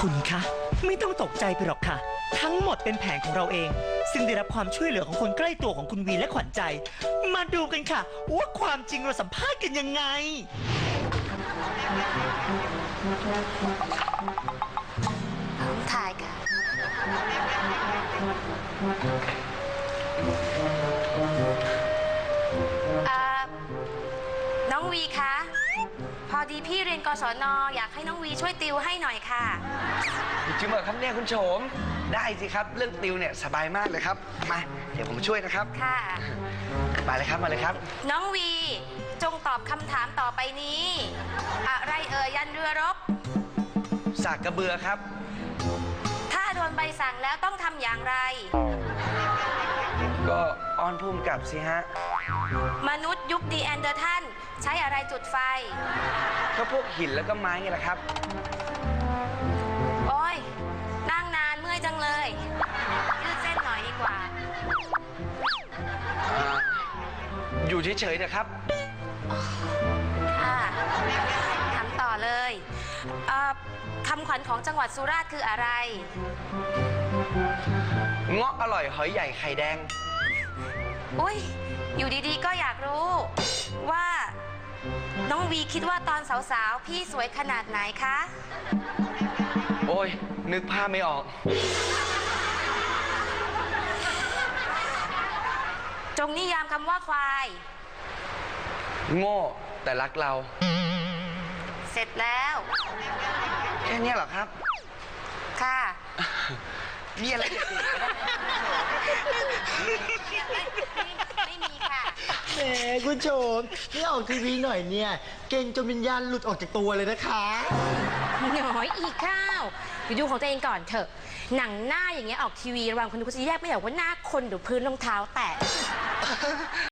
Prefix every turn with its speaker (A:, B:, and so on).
A: คุณคะไม่ต้องตกใจไปหรอกค่ะทั้งหมดเป็นแผนของเราเองซึ่งได้รับความช่วยเหลือของคนใกล้ตัวของคุณวีและขวัญใจมาดูกันค่ะว่าความจริงเราสัมภาษณ์กันยังไง
B: ถ่ายค่ะน้องวีคะพอดีพี่เรียนกศน.อยากให้น้องวีช่วยติวให้หน่อยค่ะ
C: จริงเหรอครับเนี่ยคุณโฉมได้สิครับเรื่องติวเนี่ยสบายมากเลยครับมาเดี๋ยวผมช่วยนะครับ
B: ค่ะ
C: มาเลยครับมาเลยครับ
B: น้องวีจงตอบคำถามต่อไปนี้อะไรยันเรือรบ
C: สากกระเบือครับ
B: ถ้าโดนใบสั่งแล้วต้องทำอย่างไร
C: ก็อ้อนภูมิกับสิฮะ
B: มนุษย์ยุคนีแอนเดอร์ทัลใช้อะไรจุดไฟ
C: ก็พวกหินแล้วก็ไม้ไงล่ะครับ
B: โอ้ยนั่งนานเมื่อยจังเลยยืดเส้นหน่อยดีกว่า
C: อยู่เฉยๆนะครับ
B: ค่ะถามต่อเลยคำขวัญของจังหวัดสุราษฎร์คืออะไร
C: เงาะอร่อยหอยใหญ่ไข่แดง
B: อุ้ยอยู่ดีๆก็อยากรู้ว่าน้องวีคิดว่าตอนสาวๆพี่สวยขนาดไหนคะ
C: โอ้ยนึกภาพไม่ออก
B: จงนิยามคำว่าควาย
C: โง่แต่รักเรา
B: เสร็จแล้ว
C: แค่นี้เหรอครับ
B: ค่ะ
C: มีอะไรอีก
B: ไม่มีค่ะ
D: แหมคุณโฉมนี่ออกทีวีหน่อยเนี่ยเก่งจนวิญญาณหลุดออกจากตัวเลยนะคะ
B: น้อยอีกข้าวอยู่ดูของตัวเองก่อนเถอะหนังหน้าอย่างเงี้ยออกทีวีระวังคนดูเขาจะแยกไม่ออกว่าหน้าคนหรือพื้นรองเท้าแตะ